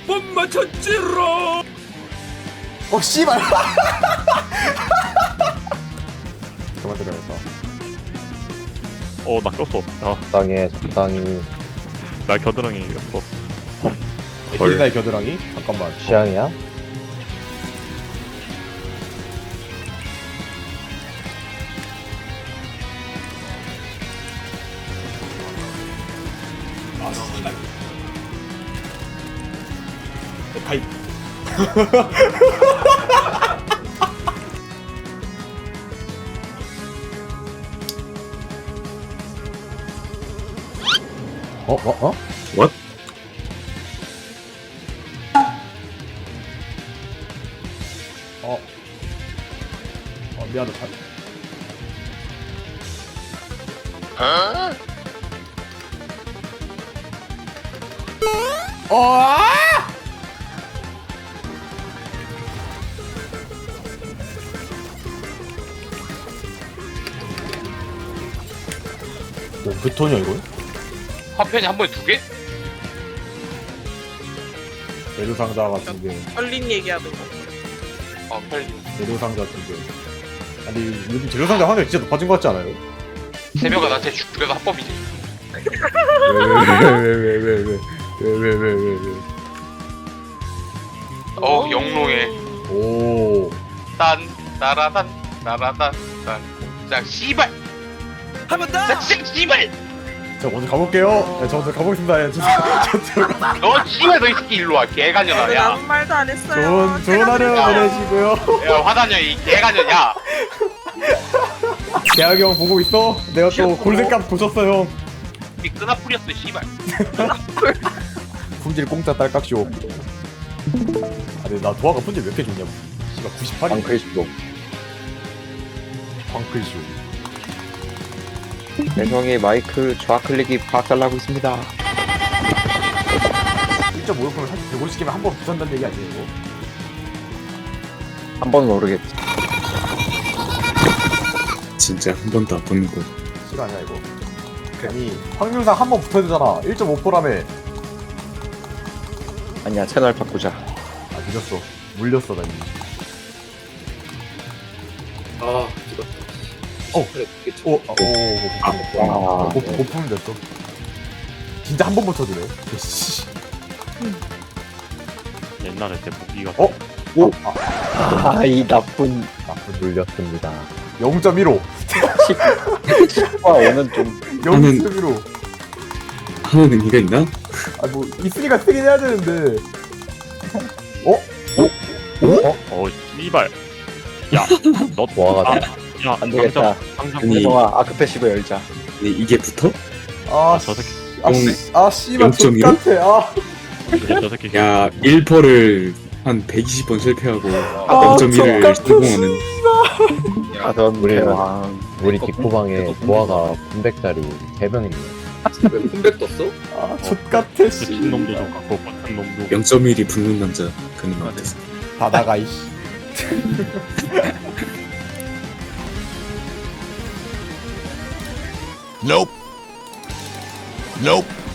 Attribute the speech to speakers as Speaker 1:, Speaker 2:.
Speaker 1: 못 맞췄지롱.
Speaker 2: 씨발. 그만 들어야겠다.
Speaker 3: 나 꼈어.
Speaker 4: 적당해 적당히.
Speaker 3: 나 겨드랑이 꼈어.
Speaker 2: 에필리나의 겨드랑이? 잠깐만.
Speaker 4: 취향이야?
Speaker 2: 가입.
Speaker 1: What?
Speaker 2: 미안하다. 몇 톤이야 이거?
Speaker 5: 화편이 한 번에 2개?
Speaker 2: 재료 상자 같은데.
Speaker 6: 얼린 얘기하는 거.
Speaker 5: 빨리.
Speaker 2: 재료 상자 같은데. 아니 요즘 재료 상자 확률 진짜 높아진 것 같지 않아요?
Speaker 5: 세명가 나한테 죽여도 합법이지.
Speaker 2: 왜왜왜왜왜왜왜왜
Speaker 5: 영롱해.
Speaker 2: 오.
Speaker 5: 딴 나라단 나라단 딴. 자 씨발.
Speaker 1: 한 번 더.
Speaker 5: 자 씨발.
Speaker 2: 저 먼저 가볼게요. 네, 저 먼저 가보겠습니다. 예,
Speaker 5: 너 씨발 너 이 새끼 일로 와 개가녀라 야.
Speaker 6: 아무 말도 안 했어요.
Speaker 2: 좋은 하루
Speaker 5: 야.
Speaker 2: 보내시고요.
Speaker 5: 야 화다녀 이 개가녀 야.
Speaker 2: 대학이 형 보고 있어? 내가 또
Speaker 5: 귀엽고.
Speaker 2: 골든값 고쳤어 형.
Speaker 5: 이 끄나 뿌렸어 씨발.
Speaker 2: 품질 공짜 딸깍쇼. 아 근데 나 도화가 품질 몇 개 줬냐고. 씨발 98이.
Speaker 4: 방클쇼.
Speaker 2: 방클쇼.
Speaker 4: 배송의 마이크 좌클릭이 박살나고 있습니다.
Speaker 2: 1.5%면 사실 150개면 한 번 부산다는 얘기 아니에요 이거?
Speaker 4: 한 번은 모르겠지.
Speaker 1: 진짜 한 번도 안 붙는 거.
Speaker 2: 실화냐 이거? 아니 확률상 한 번 붙어야 되잖아. 1.5%라며.
Speaker 4: 아니야, 채널 바꾸자.
Speaker 2: 아 늦었어. 물렸어 나 이미.
Speaker 1: 아, 죽었다.
Speaker 2: 고품은 됐어. 진짜 한 번 붙어주네. 씨.
Speaker 3: 옛날에 제 무기가
Speaker 4: 이 나쁜 눌렸습니다.
Speaker 2: 0.15.
Speaker 4: 10과 5는 좀
Speaker 2: 0.15.
Speaker 1: 하는 의미가 있나?
Speaker 2: 아 뭐 있으니까 쓰긴 해야 되는데.
Speaker 3: 씨발. 너
Speaker 4: 도화가
Speaker 3: 야,
Speaker 4: 안 되겠다.
Speaker 3: 당장
Speaker 1: 아니.
Speaker 4: 배송아 아크패시브 열자.
Speaker 1: 근데 이게 붙어?
Speaker 3: 저 새끼.
Speaker 2: 씨발
Speaker 1: 0.15?
Speaker 2: 똑같아.
Speaker 3: 저 새끼.
Speaker 1: 야, 1퍼를 한 120번 실패하고
Speaker 2: 아,
Speaker 1: 0.1을
Speaker 2: 똑같은
Speaker 1: 성공하는.
Speaker 4: 가던
Speaker 7: 우리
Speaker 4: 대왕.
Speaker 7: 우리 뒷구방에 도화가 900짜리 3병 있네.
Speaker 1: 왜 콤백 떴어?
Speaker 2: 족같아
Speaker 3: 진 놈도 좀 갖고 같은 놈도.
Speaker 1: 0.1이 붙는 남자 그는 같았어.
Speaker 2: 다 나가 이씨.
Speaker 8: Nope. Nope.